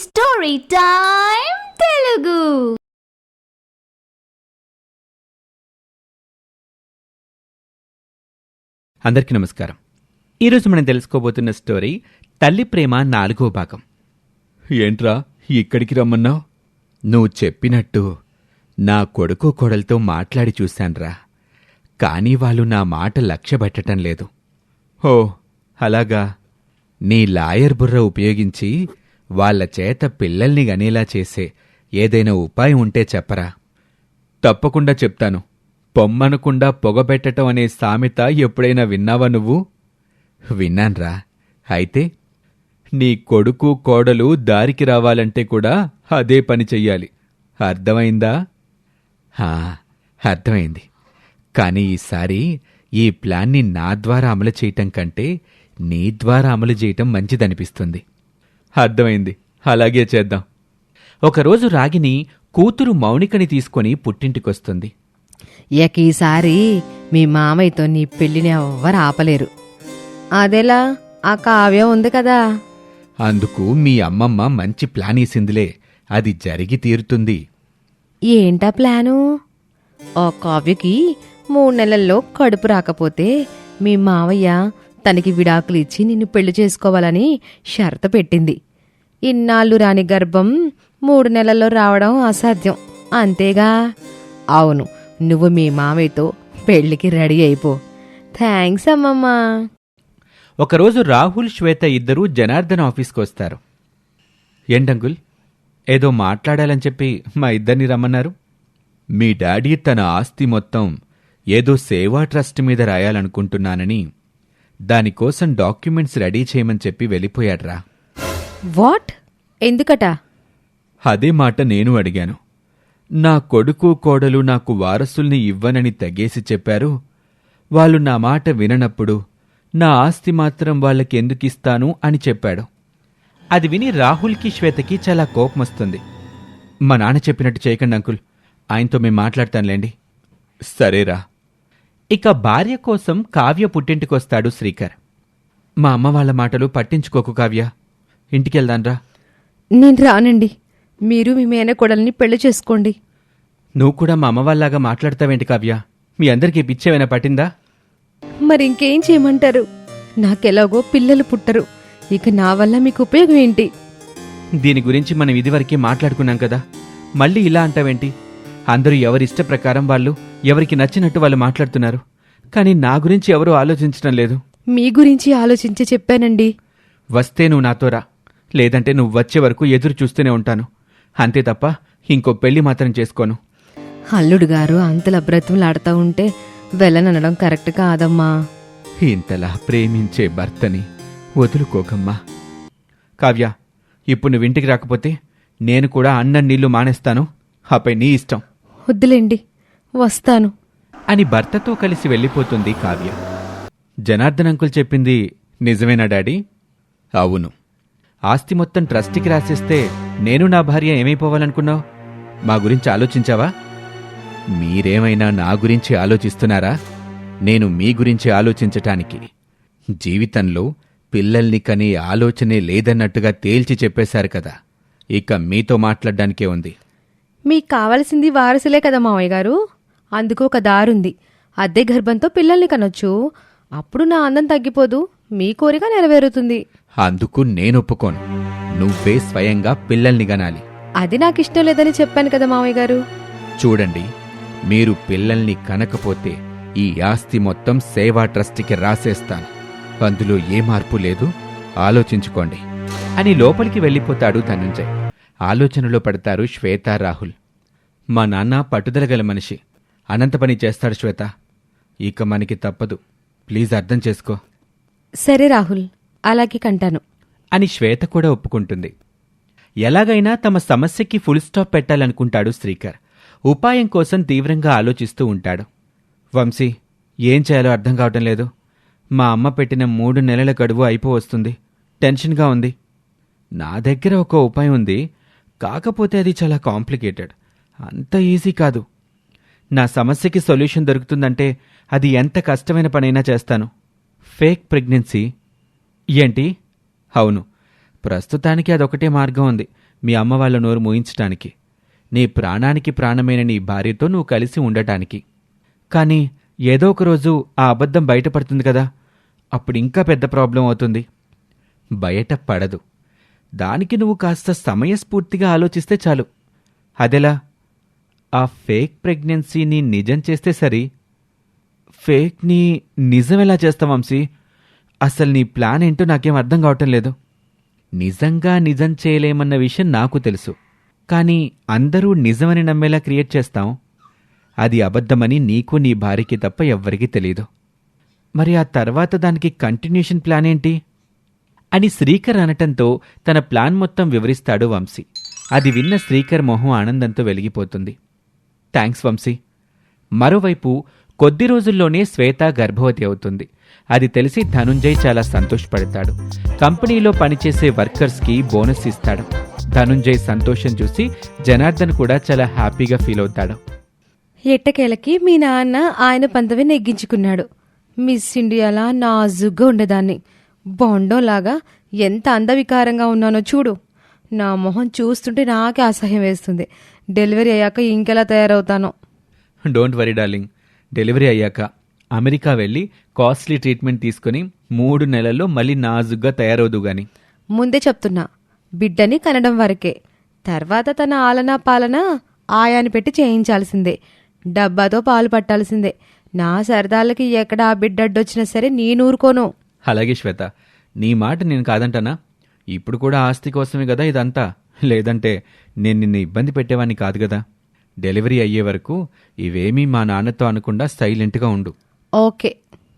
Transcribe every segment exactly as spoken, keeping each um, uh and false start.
Story time Telugu. అందరికీ నమస్కారం. ఈరోజు మనం తెలుసుకోబోతున్న స్టోరీ తల్లి ప్రేమ నాలుగో భాగం. ఏంట్రా ఇక్కడికి రమ్మన్నావు? నువ్వు చెప్పినట్టు నా కొడుకు కోడలతో మాట్లాడి చూశాన్రా, కానీ వాళ్ళు నా మాట లక్ష్యపెట్టడం లేదు. ఓ అలాగా? నీ లాయర్ బుర్ర ఉపయోగించి వాళ్ల చేత పిల్లల్ని గనేలా చేసే ఏదైనా ఉపాయం ఉంటే చెప్పరా? తప్పకుండా చెప్తాను. పొమ్మనకుండా పొగబెట్టటం అనే సామెత ఎప్పుడైనా విన్నావా నువ్వు? విన్నాన్రా. అయితే నీ కొడుకు కోడలు దారికి రావాలంటే కూడా అదే పని చెయ్యాలి. అర్థమైందా? హా, అర్థమైంది. కానీ ఈసారి ఈ ప్లాన్ని నా ద్వారా అమలు చేయటం కంటే నీ ద్వారా అమలు చేయటం మంచిదనిపిస్తుంది. అర్థమైంది, అలాగే చేద్దాం. ఒకరోజు రాగిని కూతురు మౌనికని తీసుకొని పుట్టింటికొస్తుంది. ఇక ఈసారి మీ మామయ్యతో నీ పెళ్లిని ఎవ్వరు ఆపలేరు. అదెలా? ఆ కావ్యం ఉంది కదా. అందుకు మీ అమ్మమ్మ మంచి ప్లాన్ వేసిందిలే, అది జరిగి తీరుతుంది. ఏంటా ప్లాను? ఆ కావ్యకి మూడు నెలల్లో కడుపు రాకపోతే మీ మావయ్య తనకి విడాకులు ఇచ్చి నిన్ను పెళ్లి చేసుకోవాలని షరతు పెట్టింది. ఇన్నాళ్ళు రాని గర్భం మూడు నెలల్లో రావడం అసాధ్యం, అంతేగా? అవును, నువ్వు మీ మామయ్యతో పెళ్లికి రెడీ అయిపో. థ్యాంక్స్ అమ్మమ్మా. ఒకరోజు రాహుల్, శ్వేత ఇద్దరూ జనార్దన్ ఆఫీస్కొస్తారు. ఏంటంకుల్, ఏదో మాట్లాడాలని చెప్పి మా ఇద్దరిని రమ్మన్నారు? మీ డాడీ తన ఆస్తి మొత్తం ఏదో సేవా ట్రస్ట్ మీద రాయాలనుకుంటున్నానని దానికోసం డాక్యుమెంట్స్ రెడీ చేయమని చెప్పి వెళ్ళిపోయాడ్రా. వాట్? ఎందుకట? అదే మాట నేను అడిగాను. నా కొడుకు కోడలు నాకు వారసుల్ని ఇవ్వనని తెగేసి చెప్పారు. వాళ్ళు నా మాట విననప్పుడు నా ఆస్తి మాత్రం వాళ్ళకెందుకిస్తాను అని చెప్పాడు. అది విని రాహుల్కి, శ్వేతకి చాలా కోపమొస్తుంది. మా నాన్న చెప్పినట్టు చేయకండి అంకుల్, ఆయనతో మేం మాట్లాడతానులేండి. సరేరా. ఇక భార్య కోసం కావ్య పుట్టింటికొస్తాడు శ్రీకర్. మా అమ్మ వాళ్ళ మాటలు పట్టించుకోకు కావ్య, ఇంటికెళ్దాన్రా. నేను రానండి, మీరు మీ మేనకోడల్ని పెళ్లి చేసుకోండి. నువ్వు కూడా మా అమ్మ వాళ్ళలాగా మాట్లాడతావేంటి కావ్య? మీ అందరికీ పిచ్చేమైనా పట్టిందా? మరి ఇంకేం చేయమంటారు? నాకెలాగో పిల్లలు పుట్టరు, ఇక నా వల్ల మీకు ఉపయోగం ఏంటి? దీని గురించి మనం ఇదివరకే మాట్లాడుకున్నాం కదా, మళ్ళీ ఇలా అంటావేంటి? అందరూ ఎవరిష్ట ప్రకారం వాళ్ళు ఎవరికి నచ్చినట్టు వాళ్ళు మాట్లాడుతున్నారు, కానీ నా గురించి ఎవరూ ఆలోచించడం లేదు. మీ గురించి ఆలోచించి చెప్పానండి. వస్తే నువ్వు నాతో రా, లేదంటే నువ్వు వచ్చే వరకు ఎదురు చూస్తూనే ఉంటాను. అంతే తప్ప ఇంకో పెళ్లి మాత్రం చేసుకోను. అల్లుడు గారు అంతలా బ్రతిమలాడుతూ ఉంటే వెళ్ళననడం కరెక్ట్ కాదమ్మా. ఇంతలా ప్రేమించే భర్తని వదులుకోకమ్మా. కావ్య, ఇప్పుడు నువ్వు ఇంటికి రాకపోతే నేను కూడా అన్నం నీళ్లు మానేస్తాను, ఆపై నీ ఇష్టం. వద్దులేండి, వస్తాను అని భర్తతో కలిసి వెళ్ళిపోతుంది కావ్య. జనార్దన్ అంకుల్ చెప్పింది నిజమేనా డాడీ? అవును. ఆస్తి మొత్తం ట్రస్టీకి రాసేస్తే నేను నా భార్య ఏమైపోవాలనుకున్నావు? మా గురించి ఆలోచించావా? మీరేమైనా నా గురించి ఆలోచిస్తున్నారా? నేను మీ గురించి ఆలోచించటానికి జీవితంలో పిల్లల్ని కనే ఆలోచనే లేదన్నట్టుగా తేల్చి చెప్పేశారు కదా, ఇక మీతో మాట్లాడ్డానికే ఉంది. మీకు కావలసింది వారసులే కదా మావయ్య గారు, అందుకు ఒక దారుంది. అద్దె గర్భంతో పిల్లల్ని కనొచ్చు, అప్పుడు నా అందం తగ్గిపోదు, మీ కోరిక నెరవేరుతుంది. అందుకు నేనొప్పుకోను. నువ్వే స్వయంగా పిల్లల్ని గనాలి. అది నాకిష్టం లేదని చెప్పాను కదా మావయ్య గారు. చూడండి, మీరు పిల్లల్ని కనకపోతే ఈ ఆస్తి మొత్తం సేవా ట్రస్ట్కి రాసేస్తాను. అందులో ఏ మార్పు లేదు, ఆలోచించుకోండి అని లోపలికి వెళ్ళిపోతాడు ధనుంజయ్. ఆలోచనలో పడతారు శ్వేత, రాహుల్. మా నాన్న పట్టుదల గల మనిషి, అనంత పని చేస్తాడు శ్వేత. ఇక మనకి తప్పదు, ప్లీజ్ అర్థం చేసుకో. సరే రాహుల్, అలాగే కంటాను అని శ్వేత కూడా ఒప్పుకుంటుంది. ఎలాగైనా తమ సమస్యకి ఫుల్ స్టాప్ పెట్టాలనుకుంటాడు శ్రీకర్. ఉపాయం కోసం తీవ్రంగా ఆలోచిస్తూ ఉంటాడు. వంశీ, ఏం చేయాలో అర్థం కావటం లేదు. మా అమ్మ పెట్టిన మూడు నెలల గడువు అయిపో వస్తుంది, టెన్షన్గా ఉంది. నా దగ్గర ఒక ఉపాయం ఉంది, కాకపోతే అది చాలా కాంప్లికేటెడ్, అంత ఈజీ కాదు. నా సమస్యకి సొల్యూషన్ దొరుకుతుందంటే అది ఎంత కష్టమైన పనైనా చేస్తాను. Fake pregnancy. ఏంటి? అవును, ప్రస్తుతానికి అదొకటే మార్గం ఉంది, మీ అమ్మ వాళ్ళ నోరు మూయించటానికి, నీ ప్రాణానికి ప్రాణమైన నీ భార్యతో నువ్వు కలిసి ఉండటానికి. కానీ ఏదో ఒక రోజు ఆ అబద్ధం బయటపడుతుంది కదా, అప్పుడు ఇంకా పెద్ద ప్రాబ్లం అవుతుంది. బయట పడదు. దానికి నువ్వు కాస్త సమయస్ఫూర్తిగా ఆలోచిస్తే చాలు. అదెలా? ఆ ఫేక్ ప్రెగ్నెన్సీని నిజం చేస్తే సరి. ఫేక్ని నిజమెలా చేస్తాం వంశీ? అసలు నీ ప్లాన్ ఏంటో నాకేం అర్థం కావటం లేదు. నిజంగా నిజం చేయలేమన్న విషయం నాకు తెలుసు. కానీ అందరూ నిజమని నమ్మేలా క్రియేట్ చేస్తాం. అది అబద్ధమని నీకు నీ భార్యకి తప్ప ఎవ్వరికీ తెలీదు. మరి ఆ తర్వాత దానికి కంటిన్యూషన్ ప్లాన్ ఏంటి అని శ్రీకర్ అనటంతో తన ప్లాన్ మొత్తం వివరిస్తాడు వంశీ. అది విన్న శ్రీకర్ మొహం ఆనందంతో వెలిగిపోతుంది. థ్యాంక్స్ వంశీ. మరోవైపు కొద్ది రోజుల్లోనే శ్వేత గర్భవతి అవుతుంది. అది తెలిసి ధనుంజయ్ చాలా సంతోషపడతాడు. కంపెనీలో పనిచేసే వర్కర్స్కి బోనస్ ఇస్తాడు. ధనుంజయ్ సంతోషం చూసి జనార్దన్ కూడా చాలా హ్యాపీగా ఫీల్ అవుతాడు. ఎట్టకేలకి మీ నాన్న ఆయన పంతవి నెగ్గించుకున్నాడు. మిస్ ఇండియాలా నాజుగ్గా ఉండేదాన్ని. బొండంలాగా ఎంత అందవికారంగా ఉన్నానో చూడు. నా మొహం చూస్తుంటే నాకే అసహ్యం వేస్తుంది. డెలివరీ అయ్యాక ఇంకెలా తయారవుతానో. Don't worry darling. డెలివరీ అయ్యాక అమెరికా వెళ్ళి కాస్ట్లీ ట్రీట్మెంట్ తీసుకుని మూడు నెలల్లో మళ్ళీ నాజుగ్గా తయారవుదు గాని. ముందే చెప్తున్నా, బిడ్డని కనడం వరకే. తర్వాత తన ఆలనా పాలన ఆయాని పెట్టి చేయించాల్సిందే. డబ్బాతో పాలు పట్టాల్సిందే. నా సరదాలకి ఎక్కడ ఆ బిడ్డ అడ్డొచ్చినా సరే నేనూరుకోను. అలాగే శ్వేత, నీ మాట నేను కాదంటానా? ఇప్పుడు కూడా ఆస్తి కోసమే కదా ఇదంతా. లేదంటే నేను నిన్ను ఇబ్బంది పెట్టేవాన్ని కాదు కదా. డెలివరీ అయ్యే వరకు ఇవేమీ మా నాన్నతో అనకుండా సైలెంట్గా ఉండు. ఓకే.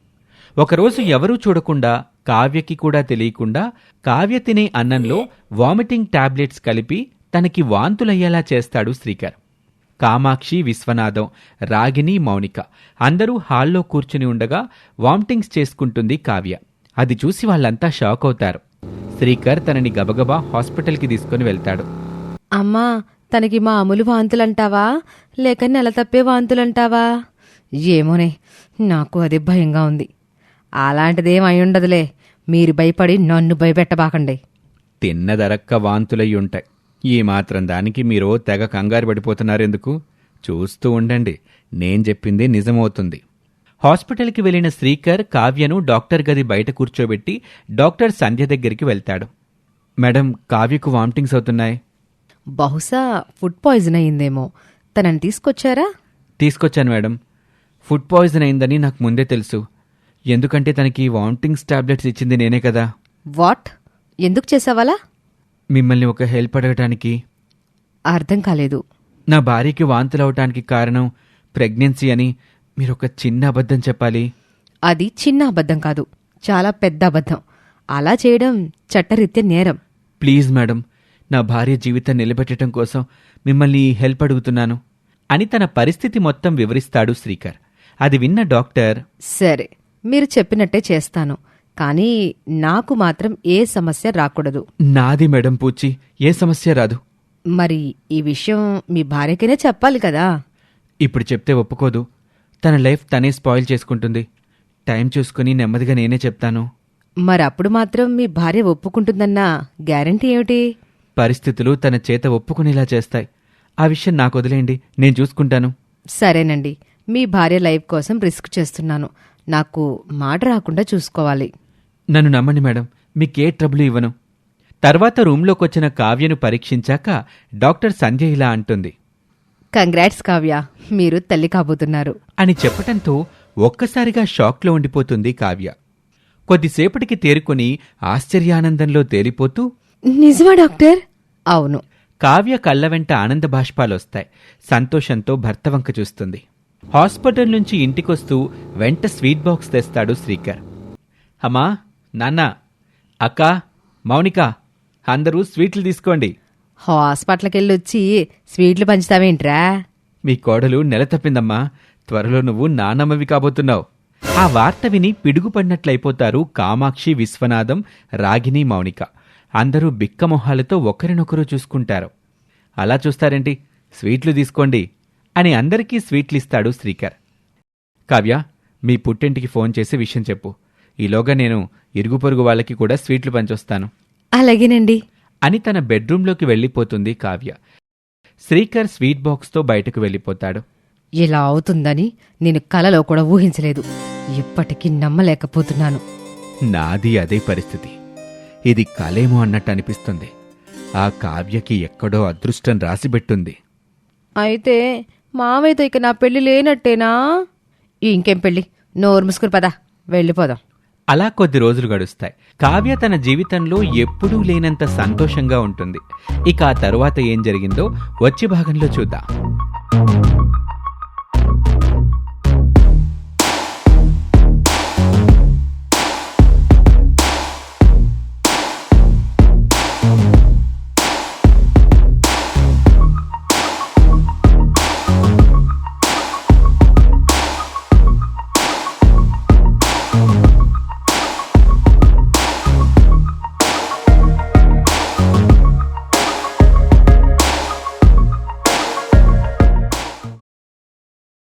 ఒకరోజు ఎవరూ చూడకుండా, కావ్యకి కూడా తెలియకుండా కావ్య తినే అన్నంలో వామిటింగ్ టాబ్లెట్స్ కలిపి తనకి వాంతులయ్యేలా చేస్తాడు శ్రీకర్. కామాక్షి, విశ్వనాథం, రాగిని, మౌనిక అందరూ హాల్లో కూర్చుని ఉండగా వామిటింగ్స్ చేసుకుంటుంది కావ్య. అది చూసి వాళ్ళంతా షాక్ అవుతారు. శ్రీకర్ తనని గబగబా హాస్పిటల్కి తీసుకుని వెళ్తాడు. అమ్మా, తనకి మామూలు వాంతులంటావా లేక నెల తప్పే వాంతులంటావా? ఏమోనే, నాకు అదే భయంగా ఉంది. అలాంటిదేం అయి ఉండదులే. మీరు భయపడి నన్ను భయపెట్టబాకండి. తిన్నదరక్క వాంతులయ్యుంటాయి. ఈ మాత్రం దానికి మీరు తెగ కంగారు పడిపోతున్నారెందుకు? చూస్తూ ఉండండి, నేను చెప్పింది నిజమవుతుంది. హాస్పిటల్కి వెళ్లిన శ్రీకర్ కావ్యను డాక్టర్ గది బయట కూర్చోబెట్టి డాక్టర్ సంధ్య దగ్గరికి వెళ్తాడు. మేడం, కావ్యకు వామిటింగ్స్ అవుతున్నాయి. బహుశా ఫుడ్ పాయిజన్ అయిందేమో. తనని తీసుకొచ్చారా? తీసుకొచ్చాను మేడం. ఫుడ్ పాయిజన్ అయిందని నాకు ముందే తెలుసు. ఎందుకంటే తనకి వామిటింగ్స్ టాబ్లెట్స్ ఇచ్చింది నేనే కదా. వాట్? ఎందుకు చేసావాలా? మిమ్మల్ని ఒక హెల్ప్ అడగటానికి. అర్థం కాలేదు. నా భార్యకి వాంతులవటానికి కారణం ప్రెగ్నెన్సీ అని మీరొక చిన్న అబద్ధం చెప్పాలి. అది చిన్న అబద్ధం కాదు, చాలా పెద్ద అబద్ధం. అలా చేయడం చట్టరీత్యా నేరం. ప్లీజ్ మేడం, నా భార్య జీవితం నిలబెట్టడం కోసం మిమ్మల్ని ఈ హెల్ప్ అడుగుతున్నాను అని తన పరిస్థితి మొత్తం వివరిస్తాడు శ్రీకర్. అది విన్న డాక్టర్, సరే, మీరు చెప్పినట్టే చేస్తాను. కానీ నాకు మాత్రం ఏ సమస్య రాకూడదు. నాది మేడం పూచి, ఏ సమస్య రాదు. మరి ఈ విషయం మీ భార్యకైనా చెప్పాలి కదా. ఇప్పుడు చెప్తే ఒప్పుకోదు. తన లైఫ్ తనే స్పాయిల్ చేసుకుంటుంది. టైం చూసుకుని నెమ్మదిగా నేనే చెప్తాను. మరప్పుడు మాత్రం మీ భార్య ఒప్పుకుంటుందన్న గ్యారంటీ ఏమిటి? పరిస్థితులు తన చేత ఒప్పుకునేలా చేస్తాయి. ఆ విషయం నాకు వదిలేయండి, నేను చూసుకుంటాను. సరేనండి, మీ భార్య లైఫ్ కోసం రిస్క్ చేస్తున్నాను. నాకు మాట రాకుండా చూసుకోవాలి. నన్ను నమ్మండి మేడం, మీకే ట్రబుల్ ఇవ్వను. తర్వాత రూంలోకొచ్చిన కావ్యను పరీక్షించాక డాక్టర్ సంధ్య ఇలా అంటుంది, కంగ్రాట్స్ కావ్య, మీరు తల్లి కాబోతున్నారు అని చెప్పటంతో ఒక్కసారిగా షాక్లో ఉండిపోతుంది కావ్య. కొద్దిసేపటికి తేరుకుని ఆశ్చర్యానందంలో తేలిపోతూ, నిజమా డాక్టర్? అవును. కావ్య కళ్ళ వెంట ఆనంద బాష్పాలొస్తాయి. సంతోషంతో భర్త వంక చూస్తుంది. హాస్పిటల్ నుంచి ఇంటికొస్తూ వెంట స్వీట్ బాక్స్ తెస్తాడు శ్రీకర్. అమ్మా, నాన్న, అక్క, మౌనిక అందరూ స్వీట్లు తీసుకోండి. హాస్పిటల్కెళ్ళొచ్చి స్వీట్లు పంచుతావేంట్రా? మీ కోడలు నెల తప్పిందమ్మా. త్వరలో నువ్వు నానమ్మవి కాబోతున్నావు. ఆ వార్త విని పిడుగుపడినట్లయిపోతారు కామాక్షి, విశ్వనాథం, రాగిని, మౌనిక. అందరూ బిక్కమొహాలతో ఒకరినొకరు చూసుకుంటారు. అలా చూస్తారేంటి, స్వీట్లు తీసుకోండి అని అందరికీ స్వీట్లిస్తాడు శ్రీకర్. కావ్య, మీ పుట్టింటికి ఫోన్ చేసి విషయం చెప్పు. ఈలోగా నేను ఇరుగు పొరుగు వాళ్ళకి కూడా స్వీట్లు పంచొస్తాను. అలాగేనండి అని తన బెడ్రూంలోకి వెళ్ళిపోతుంది కావ్య. శ్రీకర్ స్వీట్ బాక్స్తో బయటకు వెళ్ళిపోతాడు. ఇలా అవుతుందని నేను కలలో కూడా ఊహించలేదు. ఇప్పటికీ నమ్మలేకపోతున్నాను. నాది అదే పరిస్థితి. ఇది కలేమో అన్నట్టు అనిపిస్తుంది. ఆ కావ్యకి ఎక్కడో అదృష్టం రాసిపెట్టుంది. అయితే మావయ్యతో ఇక నా పెళ్లి లేనట్టేనా? ఇంకేం పెళ్లి, నోరు మూసుకుని పదా వెళ్ళిపోదాం. అలా కొద్ది రోజులు గడుస్తాయి. కావ్య తన జీవితంలో ఎప్పుడూ లేనంత సంతోషంగా ఉంటుంది. ఇక ఆ తరువాత ఏం జరిగిందో వచ్చే భాగంలో చూద్దాం.